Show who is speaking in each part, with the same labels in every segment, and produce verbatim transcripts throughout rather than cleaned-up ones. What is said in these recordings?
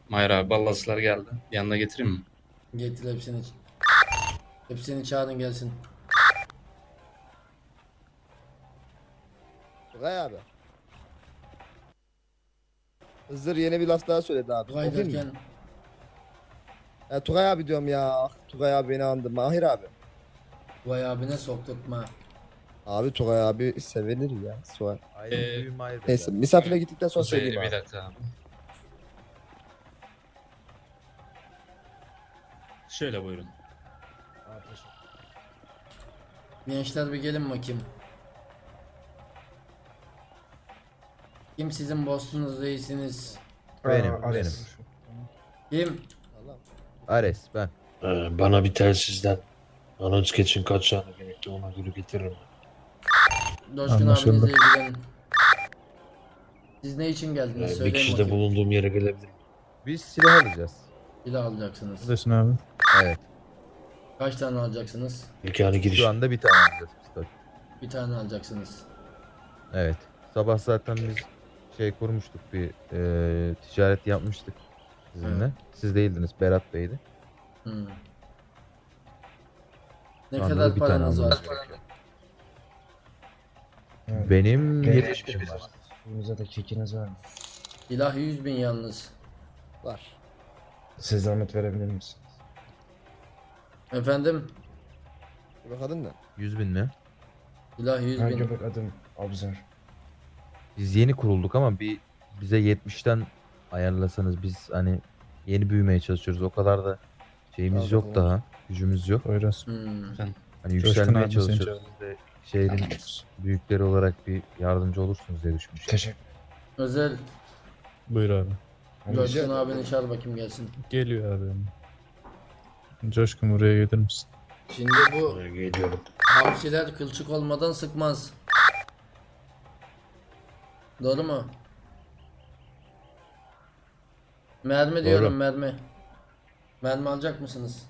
Speaker 1: Mahir abi ballaslar geldi. Yanına getireyim mi?
Speaker 2: Getir hepsini. Hepsini çağırın gelsin.
Speaker 3: Tugay abi. Hızır yeni bir laf daha söyledi abi.
Speaker 2: Tugay
Speaker 3: Okuyayım mı?
Speaker 2: derken
Speaker 3: Ya, Tugay abi diyorum ya. Ah, Tugay abi beni andı. Mahir abi.
Speaker 2: Tugay abine sokturtma.
Speaker 3: Abi Tugay abi sevinir ya. Sual.
Speaker 4: Aynen
Speaker 1: Ee,
Speaker 4: büyüm ayrı.
Speaker 3: Neyse misafire gittikten sonra
Speaker 1: Kuzey,
Speaker 3: söyleyeyim
Speaker 1: bir
Speaker 3: abi.
Speaker 1: dakika abi. Şöyle buyurun.
Speaker 2: Gençler bir gelin bakayım. Kim sizin boss'unuz, reisiniz?
Speaker 4: Benim,
Speaker 5: Aa,
Speaker 4: benim.
Speaker 5: Ares.
Speaker 2: Kim?
Speaker 3: Allah.
Speaker 4: Ares ben.
Speaker 6: Ee, bana bir telsizden anons geçin kaç tane gerekli ona göre getiririm.
Speaker 2: Coşkun
Speaker 5: Anlaşıldı.
Speaker 2: abinizle ilgilen. Siz ne için geldiniz?
Speaker 6: Ee, bir
Speaker 2: Söyleyin
Speaker 6: kişi de
Speaker 2: bakayım.
Speaker 6: bulunduğum yere gelebilir.
Speaker 4: Biz silah alacağız.
Speaker 2: Silah alacaksınız.
Speaker 5: Neredesin abi?
Speaker 4: Evet.
Speaker 2: Kaç tane alacaksınız?
Speaker 6: İmkanı giriş.
Speaker 4: Şu anda bir tane alacağız pistol.
Speaker 2: Bir tane alacaksınız.
Speaker 4: Evet. Sabah zaten biz şey kurmuştuk bir e, ticaret yapmıştık sizinle.
Speaker 2: Evet.
Speaker 4: Siz değildiniz, Berat Bey'di.
Speaker 2: Hmm. Ne
Speaker 4: Şu anda
Speaker 2: kadar
Speaker 4: da bir tane
Speaker 2: paranız var?
Speaker 4: almamız gerekiyor.
Speaker 5: Evet.
Speaker 4: Benim
Speaker 5: Benim
Speaker 4: yetmiş bin var.
Speaker 5: Suyunuza da kekiniz var mı?
Speaker 2: Silah yüz bin yalnız.
Speaker 3: Var.
Speaker 5: Siz zahmet verebilir misiniz?
Speaker 2: Efendim?
Speaker 3: Bak adın ne?
Speaker 4: yüz bin mi?
Speaker 2: Silah yüz
Speaker 5: Ha,
Speaker 2: bin.
Speaker 5: göbek adım Abzar.
Speaker 4: Biz yeni kurulduk ama bir bize yetmişten ayarlasanız biz hani yeni büyümeye çalışıyoruz. O kadar da şeyimiz
Speaker 3: Tamam,
Speaker 4: yok
Speaker 3: tamam.
Speaker 4: daha. Gücümüz yok.
Speaker 5: Poyraz.
Speaker 2: Hmm.
Speaker 4: Hani
Speaker 5: Coşkun
Speaker 4: yükselmeye
Speaker 5: abi seni
Speaker 4: çalışıyoruz. Siz de şehrin büyükleri olarak bir yardımcı olursunuz diye düşünmüştüm.
Speaker 5: Teşekkür
Speaker 2: Özel
Speaker 5: Buyur abi.
Speaker 2: Coşkun abini çağır bakayım gelsin.
Speaker 5: Geliyor abi. Coşkun buraya gelir misin?
Speaker 2: Şimdi bu
Speaker 6: Ee, geliyorum.
Speaker 2: hamsiler kılçık olmadan sıkmaz. Doğru mu? Mermi
Speaker 4: Doğru.
Speaker 2: diyorum mermi. Mermi alacak mısınız?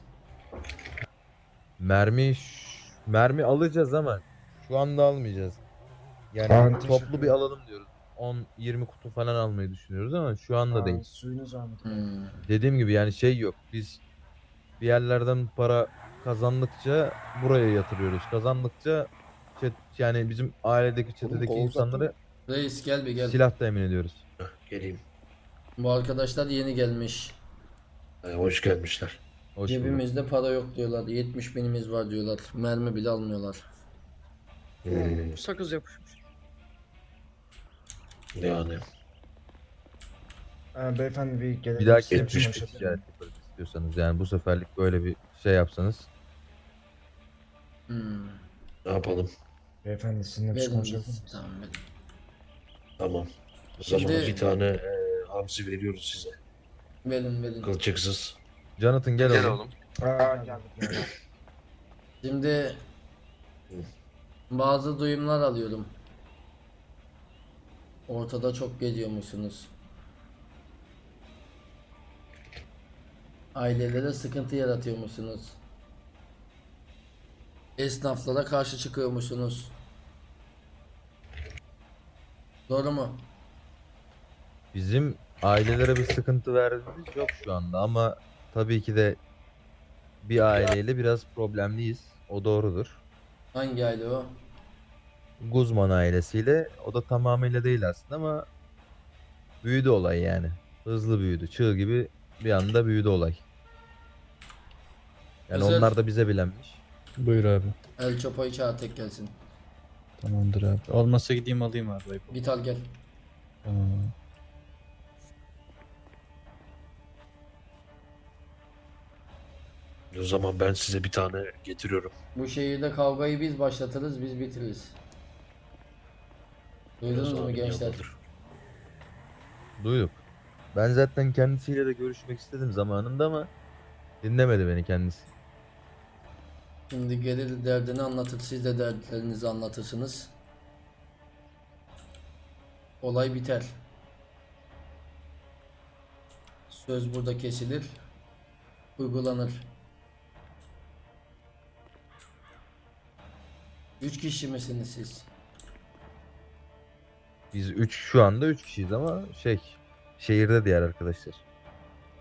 Speaker 4: Mermi ş- mermi alacağız ama şu anda almayacağız. Yani
Speaker 5: Aa, teşekkür
Speaker 4: toplu bir
Speaker 5: ederim.
Speaker 4: alalım diyoruz. on yirmi kutu falan almayı düşünüyoruz ama şu anda değil.
Speaker 5: Suyunuz var mı?
Speaker 2: Hmm.
Speaker 4: Dediğim gibi yani şey yok. Biz bir yerlerden para kazandıkça buraya yatırıyoruz. Kazandıkça çet, yani bizim ailedeki çetedeki
Speaker 3: kolu uzattın
Speaker 4: insanları
Speaker 2: Reis gel bir gel.
Speaker 4: silah temin ediyoruz.
Speaker 6: Heh, geleyim.
Speaker 2: Bu arkadaşlar yeni gelmiş.
Speaker 6: Ee, hoş gelmişler.
Speaker 4: Hoş bulduk.
Speaker 2: Cebimizde para yok diyorlar. yetmiş binimiz var diyorlar. Mermi bile almıyorlar.
Speaker 6: Hmm,
Speaker 7: Sakız yapışmış.
Speaker 6: yani.
Speaker 5: Ee, beyefendi bir gelebilir
Speaker 4: Bir dahaki
Speaker 5: misiniz?
Speaker 6: yetmiş
Speaker 4: bir
Speaker 5: Konuşabilir
Speaker 4: ticaret
Speaker 5: miyim?
Speaker 4: yaparız istiyorsanız. Yani bu seferlik böyle bir şey yapsanız.
Speaker 2: Hmm.
Speaker 6: Ne yapalım?
Speaker 5: Beyefendi sizinle bir şey
Speaker 2: Verin
Speaker 5: konuşabilir
Speaker 2: biz.
Speaker 5: miyiz?
Speaker 2: Tamam verin.
Speaker 6: Tamam. O
Speaker 2: Şimdi-
Speaker 6: zaman bir tane e, hamsi veriyoruz size.
Speaker 2: Verin verin.
Speaker 6: Kılçıksız.
Speaker 4: Jonathan gel, oğlum.
Speaker 5: Aa, geldik. geldik.
Speaker 2: Şimdi bazı duyumlar alıyorum. Ortada çok geziyormuşsunuz. Ailelere sıkıntı yaratıyormuşsunuz. Esnaflara karşı çıkıyormuşsunuz. Doğru mu?
Speaker 4: Bizim ailelere bir sıkıntı verdiğimiz yok şu anda ama tabii ki de bir aileyle biraz problemliyiz. O doğrudur.
Speaker 2: Hangi aile o?
Speaker 4: Guzman ailesiyle o da tamamıyla değil aslında ama büyüdü olay yani. Hızlı büyüdü. Çığ gibi bir anda büyüdü olay. Yani
Speaker 2: Özel-
Speaker 4: onlar da bize bilenmiş.
Speaker 5: Buyur abi.
Speaker 2: El Chapo'yu çağır tek gelsin.
Speaker 5: Tamamdır abi. Olmazsa gideyim alayım abi.
Speaker 2: Git al gel.
Speaker 5: Tamam.
Speaker 6: O zaman ben size bir tane getiriyorum.
Speaker 2: Bu şehirde kavgayı biz başlatırız, biz bitiririz. Duydunuz
Speaker 6: Biraz
Speaker 2: mu
Speaker 6: abim
Speaker 2: gençler?
Speaker 6: yanındadır.
Speaker 4: Duyduk. Ben zaten kendisiyle de görüşmek istedim zamanında ama dinlemedi beni kendisi.
Speaker 2: Şimdi gelir derdini anlatır, siz de dertlerinizi anlatırsınız. Olay biter. Söz burada kesilir, uygulanır. Üç kişi misiniz siz?
Speaker 4: Biz üç şu anda üç kişiyiz ama şey şehirde diğer arkadaşlar.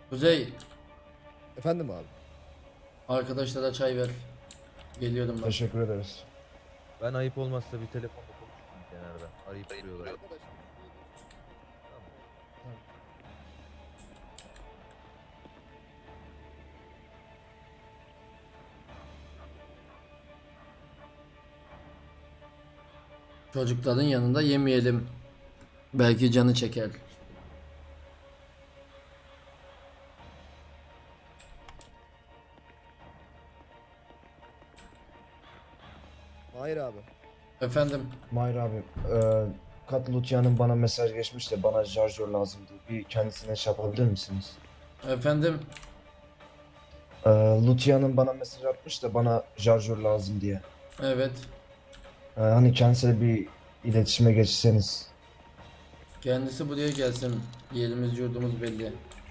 Speaker 2: Kuzey,
Speaker 3: Efendim abi.
Speaker 2: arkadaşlara çay ver. Geliyorum ben.
Speaker 7: Teşekkür ederiz.
Speaker 4: Ben ayıp olmazsa bir telefonda konuşayım kenarda. Arayıp duruyorlar.
Speaker 2: Çocukların yanında yemeyelim. Belki canı çeker.
Speaker 3: Hayır abi.
Speaker 2: Efendim,
Speaker 7: Mahir abi, e, Kat Lutya'nın bana mesaj geçmiş de bana şarjör lazım diye. Bir kendisine şey yapabilir misiniz?
Speaker 2: efendim.
Speaker 7: E, Lutya'nın bana mesaj atmış da bana şarjör lazım diye.
Speaker 2: Evet.
Speaker 7: E, hani kendisiyle bir iletişime geçseniz.
Speaker 2: Kendisi buraya gelsin. Yerimiz yurdumuz belli.